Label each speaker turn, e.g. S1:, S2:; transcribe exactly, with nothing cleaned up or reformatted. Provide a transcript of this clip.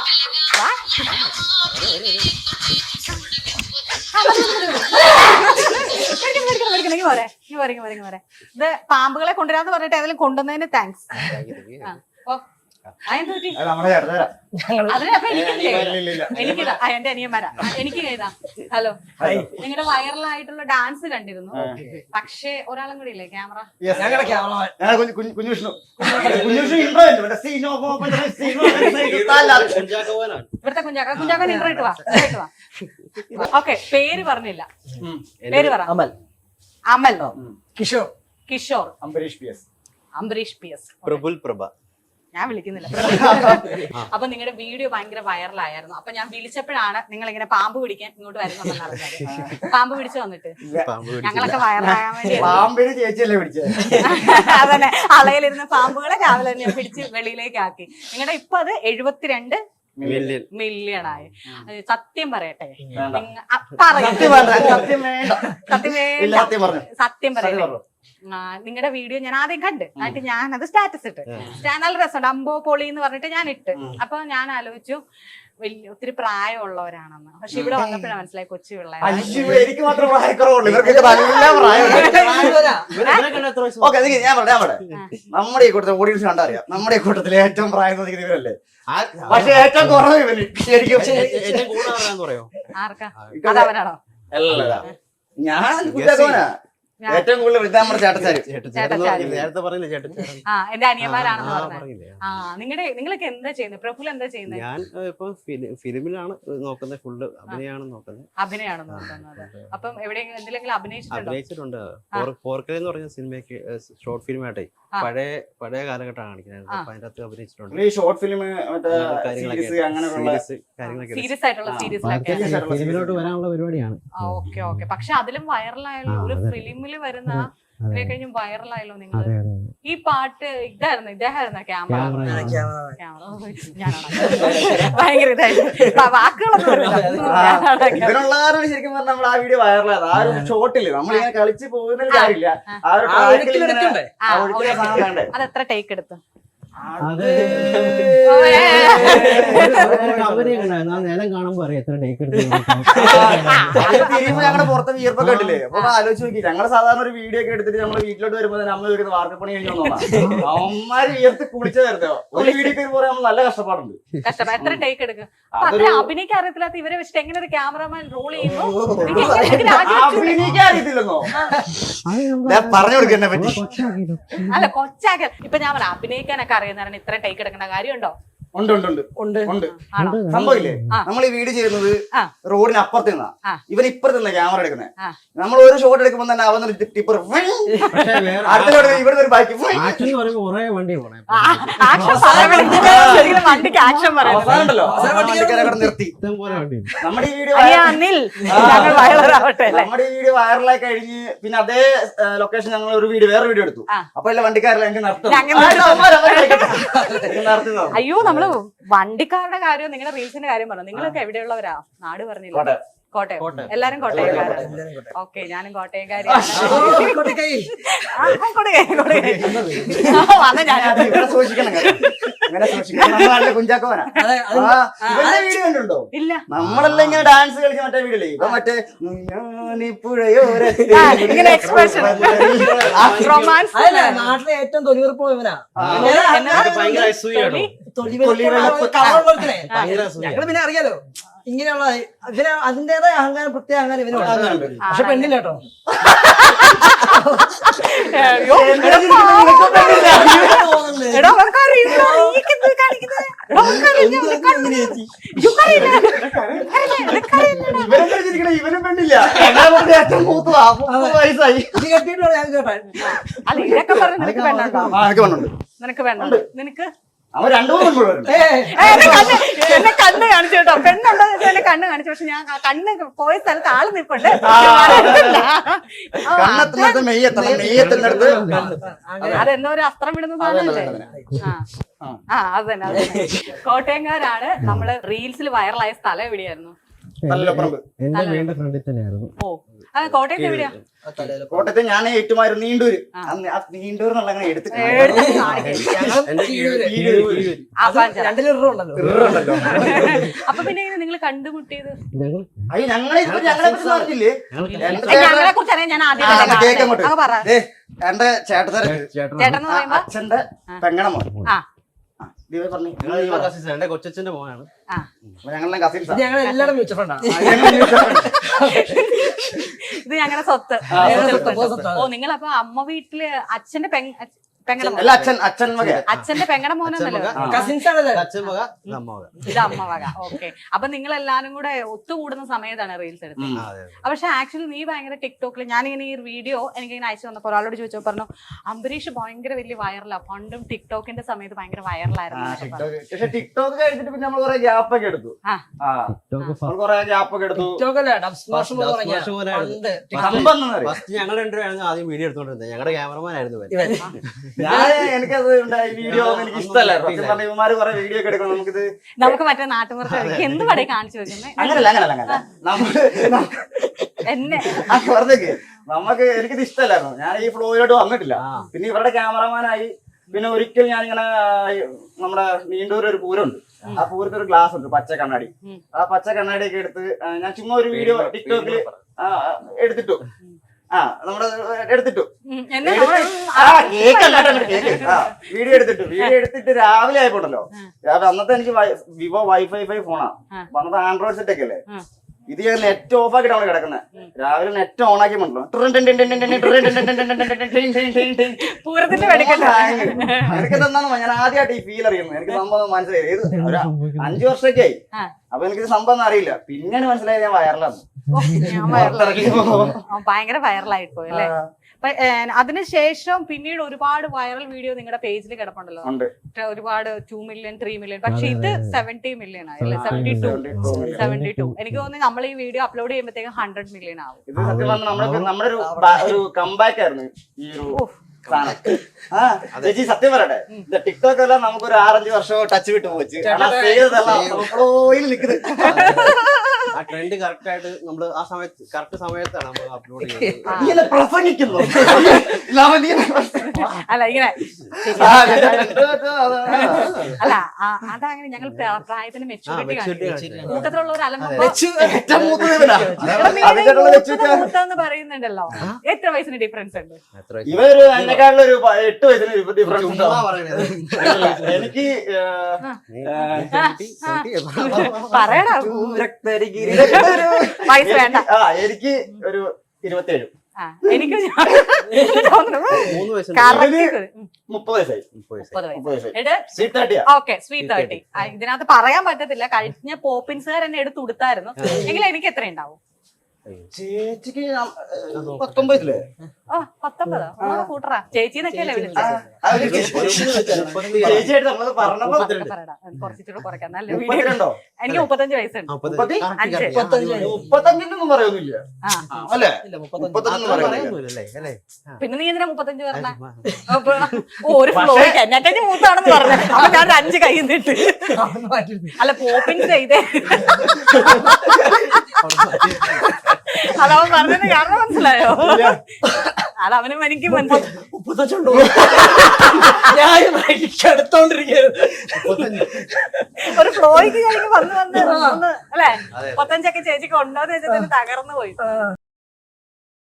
S1: ഇത് പാമ്പുകളെ കൊണ്ടുവരാന്ന് പറഞ്ഞിട്ട് ഏതെങ്കിലും കൊണ്ടുവന്നതിന് താങ്ക്സ്. എനിക്കിതാ എന്റെ അനിയന്മാരാ. എനിക്ക് ഇതാ ഹലോ. നിങ്ങളുടെ വൈറലായിട്ടുള്ള ഡാൻസ് കണ്ടിരുന്നു. പക്ഷേ ഒരാളും കൂടി ഇല്ലേ ക്യാമറ? ഇവിടുത്തെ കുഞ്ചാക്ക കുഞ്ചാക്കൻ ഇന്റർ ഇട്ട് വാ ഇട്ട് വാ. ഓക്കെ, പേര് പറഞ്ഞില്ല. പേര് പറ. Amal. Amal.
S2: Kishore.
S1: Kishore.
S3: Ambareesh P S.
S1: Ambareesh P S.
S4: Praful Prabha.
S1: ഞാൻ വിളിക്കുന്നില്ല. അപ്പൊ നിങ്ങളുടെ വീഡിയോ ഭയങ്കര വൈറലായിരുന്നു. അപ്പൊ ഞാൻ വിളിച്ചപ്പോഴാണ് നിങ്ങൾ ഇങ്ങനെ പാമ്പ് പിടിക്കാൻ ഇങ്ങോട്ട് വരുന്നുണ്ടെന്ന് അറിഞ്ഞത്. പാമ്പ് പിടിച്ചു വന്നിട്ട് ഞങ്ങളൊക്കെ വൈറലാകാൻ വേണ്ടി അതന്നെ അളയിലിരുന്ന പാമ്പുകളെ രാവിലെ തന്നെ പിടിച്ച് വെളിയിലേക്ക് ആക്കി. നിങ്ങളുടെ ഇപ്പൊ അത് എഴുപത്തിരണ്ട് മില്യൺ ആയി. സത്യം പറയട്ടെ, സത്യം പറയട്ടെ, നിങ്ങളുടെ വീഡിയോ ഞാൻ ആദ്യം കണ്ട് എന്നിട്ട് ഞാൻ അത് സ്റ്റാറ്റസ് ഇട്ട്. നല്ല രസമുണ്ട്. അമ്പോ പൊളി എന്ന് പറഞ്ഞിട്ട് ഞാൻ ഇട്ട്. അപ്പൊ ഞാൻ ആലോചിച്ചു വലിയ ഒത്തിരി പ്രായമുള്ളവരാണെന്ന്. പക്ഷെ ഇവിടെ വന്നപ്പോഴാണ് മനസ്സിലായി കൊച്ചു പിള്ളേർ.
S3: നമ്മുടെ ഈ കൂട്ടത്തിൽ ഓഡിയൻസ് കണ്ടറിയാം, നമ്മുടെ ഈ കൂട്ടത്തിൽ ഏറ്റവും പ്രായം തോന്നിക്കുന്ന ഇവരല്ലേ. പക്ഷെ ഏറ്റവും കുറവ് ഇവന് ശരിക്കും.
S1: ആർക്കാ? അതവനാണോ?
S3: അല്ല, ഞാൻ കുഞ്ഞാക്കോനാ ഏറ്റവും കൂടുതൽ വൃദ്ധാമ ചേട്ടച്ചാര്.
S1: ആ എന്റെ അനിയന്മാരാണെന്ന് പറഞ്ഞത്. ആ നിങ്ങളുടെ നിങ്ങളൊക്കെ എന്താ ചെയ്യുന്നത്? പ്രഫുൽ എന്താ ചെയ്യുന്നത്?
S4: ഞാൻ ഇപ്പൊ ഫിലിമിലാണ് നോക്കുന്നത്, ഫുള്ള് അഭിനയാണ് നോക്കുന്നത്.
S1: അഭിനയാണ് നോക്കുന്നത്. അപ്പം എവിടെ എന്തെങ്കിലും അഭിനയിച്ചിട്ടുണ്ടോ?
S4: അഭിനയിച്ചിട്ടുണ്ട്. ഫോർക്കൽ എന്ന് പറഞ്ഞ സിനിമയ്ക്ക് ഷോർട്ട് ഫിലിം ആയിട്ടേ പഴയ പഴയ കാലഘട്ടമാണ് കാണിക്കുന്നത്. അപ്പൊ അതിന്റെ അകത്ത് അഭിനയിച്ചിട്ടുണ്ട്.
S3: ഈ ഷോർട്ട് ഫിലിം
S1: സീരിയസ് ആയിട്ടുള്ള
S4: ഫിലിമിലോട്ട് വരാനുള്ള പരിപാടിയാണ്.
S1: Okay okay. പക്ഷെ അതിലും വൈറലായല്ലോ, ഒരു ഫിലിമില് വരുന്ന ഇതിനെ കഴിഞ്ഞും വൈറലായല്ലോ നിങ്ങൾ. ഈ പാട്ട് ഇതായിരുന്നു, ഇദ്ദേഹമായിരുന്നു ക്യാമറ ക്യാമറ ഭയങ്കര ഇതായിരുന്നു. വാക്കുകളൊന്നും
S3: ശരിക്കും പറഞ്ഞാൽ നമ്മൾ ആ വീഡിയോ വൈറലായത് ആ ഒരു ഷോട്ടില് നമ്മളിങ്ങനെ കളിച്ച് പോകുന്ന കാര്യമില്ല.
S1: അത് എത്ര ടേക്ക് എടുത്തു?
S4: നേരം കാണുമ്പോ അറിയാം എത്ര ടേക്ക് എടുത്ത്.
S3: ഞങ്ങളുടെ പുറത്തെ വിയർപ്പൊക്കെ കണ്ടില്ലേ? അപ്പൊ ആലോചിച്ച് നോക്കി, ഞങ്ങള് സാധാരണ ഒരു വീഡിയോ ഒക്കെ എടുത്തിട്ട് നമ്മള് വീട്ടിലോട്ട് വരുമ്പോ അമ്മ വരുന്ന വാർക്കപ്പണി കഴിഞ്ഞു അമ്മമാര് വിയർത്ത് കുളിച്ചു വരുന്നോ. ഒരു വീഡിയോ പറയാൻ നമ്മൾ നല്ല കഷ്ടപ്പാടുണ്ട്.
S1: കഷ്ടപ്പാട്. എത്ര ടേക്ക് എടുക്കും? അഭിനയിക്കാൻ അറിയത്തില്ലാത്ത ഇവരെ വെച്ചിട്ട് എങ്ങനെ ഒരു ക്യാമറമാൻ റോൾ ചെയ്യുന്നു?
S3: അഭിനയിക്കാൻ അറിയത്തില്ലെന്നോ? പറഞ്ഞു കൊടുക്കന്നെ പറ്റി.
S1: അല്ല കൊച്ചാക്കൽ. ഇപ്പൊ ഞാൻ പറയാം, അഭിനയിക്കാനൊക്കെ അറിയുന്നവരാണ് ഇത്ര ടേക്ക് എടുക്കേണ്ട കാര്യമുണ്ടോ?
S3: ഉണ്ട് ഉണ്ട് ഉണ്ട് ഉണ്ട് സംഭവില്ലേ? നമ്മൾ ഈ വീഡിയോ ചെയ്യുന്നത് റോഡിന് അപ്പുറത്ത് നിന്നാ, ഇവൻ ഇപ്പുറത്ത് നിന്നാ ക്യാമറ എടുക്കുന്നത്. നമ്മൾ ഒരു ഷോട്ട് എടുക്കുമ്പോ തന്നെ അവൻ ടിപ്പർ ഇവിടെ ഒരു ബൈക്ക് നിർത്തി. നമ്മുടെ ഈ വീഡിയോ നമ്മുടെ ഈ വീഡിയോ വൈറലായി കഴിഞ്ഞ് പിന്നെ അതേ ലൊക്കേഷൻ ഞങ്ങൾ ഒരു വീഡിയോ വേറെ വീഡിയോ എടുത്തു. അപ്പൊ എല്ലാം വണ്ടിക്കാരെല്ലാം എനിക്ക് നടത്തും.
S1: അയ്യോ, നമ്മള് വണ്ടിക്കാരുടെ കാര്യം നിങ്ങളുടെ റീൽസിന്റെ കാര്യം പറഞ്ഞു. നിങ്ങളൊക്കെ എവിടെയുള്ളവരാ? നാട് പറഞ്ഞില്ല. കോട്ടയം. എല്ലാരും കോട്ടയംകാരാണ്. ഓക്കെ, ഞാനും കോട്ടയംകാരിയാണ്. ഇല്ല,
S3: നമ്മളെല്ലാം ഇങ്ങനെ ഡാൻസ് കളിച്ച മറ്റേ വീഡിയോ ഇപ്പൊ മറ്റേ
S1: ഇങ്ങനെ എക്സ്പ്രഷൻ
S2: നാട്ടിലെ ഏറ്റവും തൊലിവെറുപ്പോ ഇവനാ. ഞങ്ങള് പിന്നെ അറിയാലോ ഇങ്ങനെയുള്ള ഇവന് അതിന്റേതായ അഹങ്കാരം, പ്രത്യേക അഹങ്കാരം ഇവനുണ്ട്. പക്ഷെ പെണ്ണില്ല കേട്ടോ.
S3: ഇവനും പെണ്ണില്ല. ഏറ്റവും മൂത്ത വയസ്സായി
S2: കെട്ടിയിട്ടാണ് ഞാൻ കേട്ടോ.
S1: അല്ല, ഇതൊക്കെ പറഞ്ഞു നിനക്ക് വേണ്ടോ? നിനക്ക് വേണ്ടോ? നിനക്ക്
S3: അവൻ രണ്ടു മൂന്ന്
S1: എന്നെ കണ്ണ് കാണിച്ചു കേട്ടോ. പെണ്ണുണ്ടോ എന്നെ കണ്ണ് കാണിച്ചു. പക്ഷെ ഞാൻ കണ്ണ് പോയ സ്ഥലത്ത് ആള് നിൽപ്പുണ്ട്. അതെന്തോ ഒരു അസ്ത്രം വിടുന്ന സാധനമല്ലേ? ആ അത് തന്നെ അത് തന്നെ. കോട്ടയംകാരാണ്. നമ്മള് റീൽസിൽ വൈറലായ സ്ഥലം എവിടെയായിരുന്നു?
S4: എന്റെ വീടിന്റെ ഫ്രണ്ടിൽ തന്നെയായിരുന്നു.
S1: ഓ, ആ, കോട്ടയത്ത് എവിടെയാ?
S3: കോട്ടയത്ത് ഞാൻ ഏറ്റുമായിരുന്നു നീണ്ടൂര്. അന്ന് ആ നീണ്ടൂർ എന്നുള്ള അങ്ങനെ എടുത്തിട്ട്
S1: എടുത്ത് കാണിക്ക്.
S4: എന്റെ കീഴൂര്, കീഴൂര്.
S1: ആ, കാണിച്ച് തരാം.
S2: രണ്ട് ലിറ്റർ ഉണ്ടല്ലോ.
S3: ഇറുണ്ടല്ലോ.
S1: അപ്പൊ പിന്നെ എങ്ങനെ നിങ്ങൾ കണ്ടുമുട്ടിയത്?
S3: അയ്യോ ഞങ്ങളെ ഇതിപ്പറ്റി ഞങ്ങളെ പറ്റി പറഞ്ഞില്ലേ? എന്റെ
S1: ഞങ്ങളെ കുറിച്ച് അറിയാൻ ഞാൻ ആദ്യം
S3: ആ, അത് കേക്ക് അങ്ങോട്ട്.
S1: അങ്ങ് പറ.
S3: ദേ, എന്റെ ചേട്ടത്തര
S1: ചേട്ടൻ എന്ന് പറയുമ്പോ
S3: അച്ഛന്റെ പെങ്ങണ മോൻ.
S1: ആ
S3: ദിവ പറഞ്ഞു
S4: ഞങ്ങൾ ഈ cousins ആണ്. എന്റെ കൊച്ചച്ഛന്റെ മോനാണ്.
S1: ആ
S3: ഞങ്ങളുടെ കസിൻസ്
S2: ഇത് ഞങ്ങൾ എല്ലാവരും മ്യൂച്വൽ ഫണ്ടാണ്.
S1: ഇത് ഞങ്ങളുടെ സ്വത്ത്.
S3: ആ,
S1: സ്വത്ത്.
S2: സ്വത്ത്.
S1: ഓ നിങ്ങൾ അപ്പൊ അമ്മ വീട്ടില് അച്ഛന്റെ പെങ്ങ പെങ്ങടെ മോൻ.
S3: അല്ല അച്ഛൻ അച്ഛൻ വക
S1: അച്ഛന്റെ പെങ്ങടെ മോനെന്നല്ലോ.
S3: ആ.
S2: കസിൻസ് ആണല്ലേ?
S4: അച്ഛൻ മക ഇത് അമ്മ മക.
S1: ഇത് അമ്മ വക. ഓക്കെ. അപ്പൊ നിങ്ങൾ എല്ലാരും കൂടെ ഒത്തുകൂടുന്ന സമയത്താണ് റീൽസ് എടുത്തത്.
S3: ഉം.
S4: ആ, അതെ, അതെ.
S1: പക്ഷെ ആക്ച്വലി നീ ഭയങ്കര ടിക്ടോക്കിൽ ഞാനിങ്ങനെ ഈ വീഡിയോ എനിക്ക് ഇങ്ങനെ അയച്ചു വന്നപ്പോൾ ഒരാളോട് ചോദിച്ചപ്പോൾ പറഞ്ഞു അംബരീഷ് ഭയങ്കര വലിയ വൈറലാ, പണ്ടും ടിക്ടോക്കിന്റെ സമയത്ത് ഭയങ്കര
S3: ആ,
S1: വൈറലായിരുന്നു.
S3: ടിക്ടോക്ക്. പക്ഷെ ടിക്ടോക്ക് കഴിഞ്ഞിട്ട് പിന്നെ നമ്മൾ കുറെ ഗ്യാപ്പ് ഒക്കെ എടുത്തു.
S1: ആ.
S3: ആ നമ്മൾ കുറെ ഗ്യാപ്പ് ഒക്കെ എടുത്തു.
S2: ടിക്ടോക്ക് അല്ലേ? ഡബ് സ്മാഷ് എന്ന്
S4: ഡബ്
S2: പറഞ്ഞ
S4: സ്മാഷ് പോലെയാണ്.
S2: പണ്ട്
S3: സംഭവം എന്താണെന്നറിയോ?
S4: ഫസ്റ്റ് ഞങ്ങൾ രണ്ടുപേരായിരുന്നു ആദ്യം വീഡിയോ എടുത്തോണ്ടിരുന്നത്. ഞങ്ങളുടെ ക്യാമറമാൻ ആയിരുന്നു ഇവൻ.
S2: ഇവൻ.
S3: ഞാൻ എനിക്കത് ഉണ്ടായി വീഡിയോ ഒന്നും എനിക്ക് ഇഷ്ടമല്ലായിരുന്നു. സത്യം പറഞ്ഞ ഇവന്മാര് കുറെ വീഡിയോ ഒക്കെ എടുക്കണം. നമുക്കിത്
S1: നമുക്ക് മറ്റേ നാട്ടുമ്പുറത്ത് എന്ത് പടേ കാണിച്ചു വെക്കുന്നത്
S3: അങ്ങനല്ല അങ്ങനല്ല അങ്ങനല്ല നമ്മള്
S1: എന്നെ
S3: ആ പറഞ്ഞേക്ക് നമുക്ക് എനിക്കിത് ഇഷ്ടമല്ലായിരുന്നു. ഞാൻ ഈ ഫ്ലോയിലോട്ട് വന്നിട്ടില്ല. പിന്നെ ഇവരുടെ ക്യാമറമാനായി. പിന്നെ ഒരിക്കൽ ഞാനിങ്ങനെ നമ്മുടെ നീണ്ടൂർ ഒരു പൂരമുണ്ട്. ആ പൂരത്തിൽ ഒരു ഗ്ലാസ് ഉണ്ട്, പച്ച കണ്ണാടി. ആ പച്ച കണ്ണാടിയൊക്കെ എടുത്ത് ഞാൻ ചുമ്മാ ഒരു വീഡിയോ ടിക്ടോക്കില് എടുത്തിട്ടു. ആ നമ്മുടെ എടുത്തിട്ടു
S1: ഉം, എന്നെ
S3: എടുത്ത്
S1: നമ്മള്
S3: ആ കേക്ക് അല്ലാണ്ട് കേക്ക് ആ വീഡിയോ എടുത്തിട്ടു. വീഡിയോ എടുത്തിട്ട് രാവിലെ ആയിപ്പോണ്ടല്ലോ. രാവിലെ അന്നത്തെ എനിക്ക് വിവോ വൈഫൈ ഫൈവ് ഫോണാ. അപ്പൊ അന്നത്തെ ആൻഡ്രോയിഡ് സെറ്റ് ഒക്കെ അല്ലേ. ഇത് ഞാൻ നെറ്റ് ഓഫ് ആക്കിയിട്ടാണ് കിടക്കുന്നത്. രാവിലെ നെറ്റ് ഓൺ ആക്കി ഉണ്ടല്ലോ
S1: പൂരത്തിന്റെ വെടിക്കട്ടെ.
S3: എനിക്ക് തന്നാണ് ഞാൻ ആദ്യമായിട്ട് ഈ ഫീൽ അറിയുന്നത്. എനിക്ക് സംഭവം മനസ്സിലായി. ഇത് ഒരു അഞ്ചു വർഷമൊക്കെ ആയി. അപ്പൊ എനിക്കിത് സംഭവം ഒന്നും അറിയില്ല. പിന്നെയാണ് മനസ്സിലായത് ഞാൻ വയറിലാണ്.
S1: ഓ, ഞാൻ വൈറലായി. ആ, ഭയങ്കര വൈറലായി പോയി അല്ലേ. അപ്പൊ അതിനുശേഷം പിന്നീട് ഒരുപാട് വൈറൽ വീഡിയോ നിങ്ങളുടെ പേജിൽ കിടപ്പുണ്ടല്ലോ.
S3: ഉണ്ട്.
S1: ഒരുപാട് ടു മില്യൺ ത്രീ മില്യൺ പക്ഷെ ഇത് സെവന്റി മില്യൺ ആയല്ലേ? സെവന്റി ടു സെവന്റി ടു എനിക്ക് തോന്നുന്നു നമ്മൾ ഈ വീഡിയോ അപ്ലോഡ് ചെയ്യുമ്പോഴത്തേക്കും ഹൺഡ്രഡ് മില്യൺ ആവും.
S3: ഇത് സത്യം പറഞ്ഞാൽ നമ്മുടെ നമ്മുടെ ഒരു ബ- ഒരു കമ്പാക്ക് ആയിരുന്നു ഈ ഒരു സാധനം. ആ ചേച്ചി സത്യം പറയട്ടെ, ഇത് ടിക്ടോക്ക് എല്ലാം നമുക്കൊരു ആറഞ്ച് വർഷം ടച്ച് വിട്ട് പോച്ച്.
S4: ആ ട്രെൻഡ് കറക്റ്റ് ആയിട്ട് നമ്മൾ ആ സമയത്ത് കറക്റ്റ് സമയത്താണ് നമ്മൾ അപ്ലോഡ് ചെയ്യുന്നത്.
S3: പ്രസംഗിക്കുന്നു
S1: അല്ല ഇങ്ങനെ അല്ല ആ, അതങ്ങനെ ഞങ്ങൾ പ്ര- പ്രായത്തിന് മെച്ചൂരിറ്റി കാണിക്കും. കൂട്ടത്തിലുള്ള ഒരു അലമ്പോ മൂത്തെന്ന് പറയുന്നുണ്ടല്ലോ. എത്ര വയസ്സിന് ഡിഫറൻസ് ഉണ്ട്?
S4: എത്ര വയസ്സ്?
S3: ഇവര് എന്നെക്കാളും ഒരു പ- എട്ട് വയസ്സിന് ഡിഫറൻസ് ഉണ്ടോ?
S4: ചുമ്മാ പറയണത്.
S3: എനിക്ക്
S1: പറയടാ വയസ്സ് വേണ്ട.
S3: ആ എനിക്ക് ഒരു ഇരുപത്തേഴ്
S1: ആ, എനിക്ക് തോന്നുന്നു
S4: മൂന്ന് വയസ്സ്
S1: correct.
S3: മുപ്പത് വയസ്സായി.
S4: മുപ്പത് വയസ്സ്.
S1: മുപ്പത്
S3: മുപ്പത്
S1: വയസ്സ്.
S3: വയസ്സായി.
S1: എട്
S3: സ്വീറ്റ് തേർട്ടിയാ.
S1: Okay sweet thirty. ഇതിനകത്ത് പറയാൻ പറ്റത്തില്ല. കഴിഞ്ഞ പോപ്പിൻസുകാർ എന്നെ എടുത്ത് കൊടുത്തായിരുന്നു. എങ്കിലും എനിക്ക് എത്ര ഉണ്ടാവും?
S3: ചേച്ചിക്ക് ഞാൻ, ഏ, പത്തൊമ്പതില്ലേ?
S1: ഓ പത്തൊമ്പതോ? ഒന്നുകൂടെ കൂട്ടറാ. ചേച്ചിന്നൊക്കെ അല്ലേ വിളിച്ചത്?
S3: ആ, ഒരു ചേച്ചിയായിട്ട് നമ്മള് പറഞ്ഞപ്പോ
S1: പറയടാ, കുറച്ചിട്ട് കുറയ്ക്കാം. നല്ല വീഡിയോ.
S3: മുപ്പത്തിരണ്ടോ?
S1: എനിക്ക് മുപ്പത്തഞ്ച് വയസ്സുണ്ട്.
S4: മുപ്പത്തി-
S1: അഞ്ച്.
S3: മുപ്പത്തഞ്ചിനൊന്നും പറയൊന്നുമില്ല.
S1: ആ
S3: അല്ലേ?
S2: ഇല്ല, മുപ്പത്തഞ്ച്.
S3: മുപ്പത്തഞ്ചൊന്നും പറയൊന്നുമില്ല.
S4: പറയുന്നില്ലല്ലേ, അല്ലേ? ആ.
S1: പിന്നെ നീ എന്തിനാ മുപ്പത്തഞ്ച് പറഞ്ഞ? ഒരു ഫ്ലോയ്ക്ക് എന്നെ കഴിഞ്ഞ് മൂത്താണെന്ന് പറഞ്ഞു. അപ്പൊ ഞാൻ ഒരു അഞ്ച് കൈ നിന്നിട്ട്
S2: അതൊന്നും മാറ്റിയില്ല.
S1: അല്ല പോപ്പിൻസ് ചെയ്തേ. അതവൻ പറഞ്ഞത് കാരണം മനസ്സിലായോ? അതവനും എനിക്ക് മനസ്സിലായി.
S2: മുപ്പത്തഞ്ചുണ്ടോ? ഞാൻ എടുത്തോണ്ടിരിക്കരുത്.
S1: ഒരു ഫ്ലോയ്ക്ക് കഴിഞ്ഞ് വന്ന് വന്ന് ഒന്ന് അല്ലെ മുപ്പത്തഞ്ചൊക്കെ ചേച്ചിക്ക് ഉണ്ടോന്ന് വെച്ചിട്ട് തകർന്നു പോയി.